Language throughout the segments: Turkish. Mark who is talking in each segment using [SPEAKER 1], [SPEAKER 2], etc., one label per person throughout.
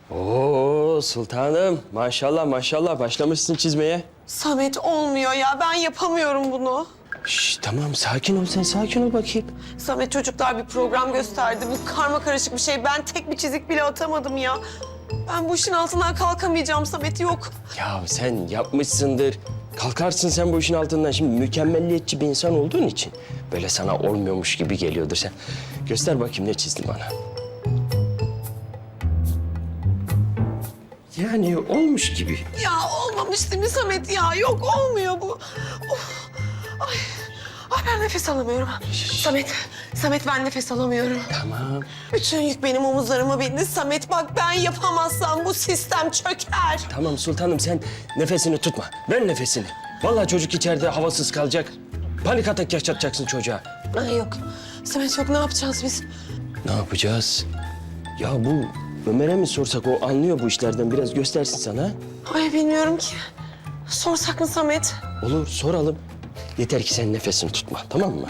[SPEAKER 1] Oo sultanım, maşallah maşallah başlamışsın çizmeye.
[SPEAKER 2] Samet olmuyor ya, ben yapamıyorum bunu.
[SPEAKER 1] Şş, tamam sakin ol sen, sakin ol bakayım.
[SPEAKER 2] Samet, çocuklar bir program gösterdi. Bu karma karışık bir şey. Ben tek bir çizik bile atamadım ya. Ben bu işin altından kalkamayacağım Samet, yok.
[SPEAKER 1] Ya sen yapmışsındır. Kalkarsın sen bu işin altından. Şimdi mükemmelliyetçi bir insan olduğun için böyle sana olmuyormuş gibi geliyordur sen. Göster bakayım ne çizdin bana. Yani olmuş gibi.
[SPEAKER 2] Ya olmamış değil mi Samet ya? Yok, olmuyor bu. Of. Ay. Ay, ben nefes alamıyorum. Samet ben nefes alamıyorum.
[SPEAKER 1] Tamam.
[SPEAKER 2] Bütün yük benim omuzlarıma bindi. Samet bak, ben yapamazsam bu sistem çöker.
[SPEAKER 1] Tamam sultanım sen nefesini tutma. Ver nefesini. Vallahi çocuk içeride havasız kalacak. Panik atak yaşatacaksın çocuğa.
[SPEAKER 2] Ay yok. Samet yok, ne yapacağız biz?
[SPEAKER 1] Ne yapacağız? Ya bu Ömer'e mi sorsak, o anlıyor bu işlerden, biraz göstersin sana.
[SPEAKER 2] Ay bilmiyorum ki. Sorsak mı Samet?
[SPEAKER 1] Olur soralım. Yeter ki sen nefesini tutma, tamam mı?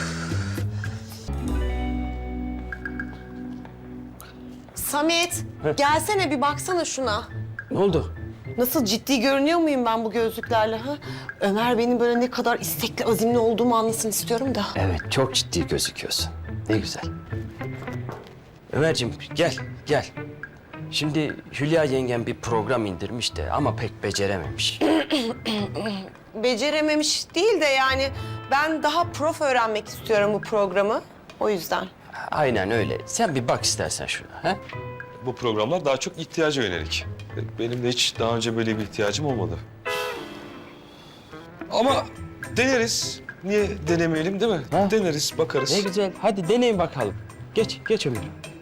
[SPEAKER 2] Samet, gelsene bir baksana şuna.
[SPEAKER 1] Ne oldu?
[SPEAKER 2] Nasıl ciddi görünüyor muyum ben bu gözlüklerle ha? Ömer benim böyle ne kadar istekli, azimli olduğumu anlasın istiyorum da.
[SPEAKER 1] Evet, çok ciddi gözüküyorsun. Ne güzel. Ömerciğim gel. Şimdi Hülya yengem bir program indirmiş de ama pek becerememiş.
[SPEAKER 2] Becerememiş değil de yani ben daha prof öğrenmek istiyorum bu programı. O yüzden.
[SPEAKER 1] Aynen öyle. Sen bir bak istersen şuna. Ha?
[SPEAKER 3] Bu programlar daha çok ihtiyaca yönelik. Benim de hiç daha önce böyle bir ihtiyacım olmadı. Ama deneriz. Niye denemeyelim değil mi?
[SPEAKER 1] Ha?
[SPEAKER 3] Deneriz, bakarız.
[SPEAKER 1] Ne güzel. Hadi deneyin bakalım. Geç Ömer.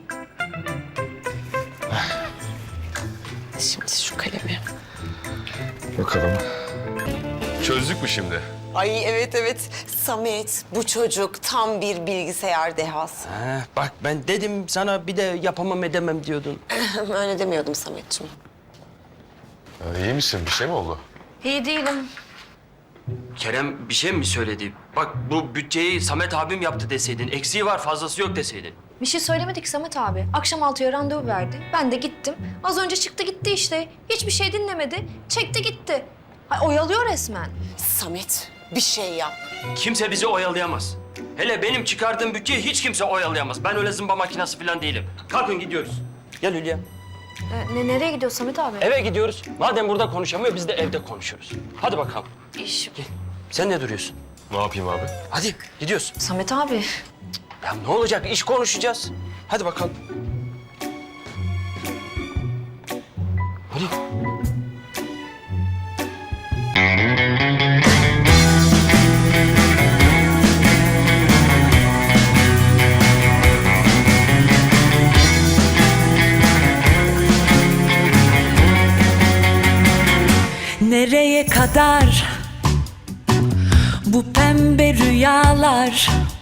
[SPEAKER 2] Şimdi şu kalemi.
[SPEAKER 3] Bakalım. Çözdük mü şimdi?
[SPEAKER 2] Ay evet. Samet, bu çocuk tam bir bilgisayar dehası.
[SPEAKER 1] Ha, bak ben dedim sana, bir de yapamam edemem diyordun.
[SPEAKER 2] Öyle demiyordum Sametciğim.
[SPEAKER 3] İyi misin? Bir şey mi oldu?
[SPEAKER 4] İyi değilim.
[SPEAKER 1] Kerem bir şey mi söyledi? Bak bu bütçeyi Samet abim yaptı deseydin, eksiği var fazlası yok deseydin.
[SPEAKER 4] Bir şey söylemedik Samet abi. Akşam 6'ya randevu verdi. Ben de gittim. Az önce çıktı gitti işte. Hiçbir şey dinlemedi. Çekti gitti. Ay, oyalıyor resmen.
[SPEAKER 2] Samet, bir şey yap.
[SPEAKER 1] Kimse bizi oyalayamaz. Hele benim çıkardığım bütçeyi hiç kimse oyalayamaz. Ben öyle zımba makinası falan değilim. Kalkın gidiyoruz. Gel Hülya.
[SPEAKER 4] Nereye gidiyor Samet abi?
[SPEAKER 1] Eve gidiyoruz. Madem burada konuşamıyor, biz de evde konuşuruz. Hadi bakalım.
[SPEAKER 4] İş.
[SPEAKER 1] Sen ne duruyorsun?
[SPEAKER 3] Ne yapayım abi?
[SPEAKER 1] Hadi gidiyoruz.
[SPEAKER 4] Samet abi.
[SPEAKER 1] Ya ne olacak? İş konuşacağız. Hadi bakalım. Hadi.
[SPEAKER 5] Nereye kadar bu pembe rüyalar?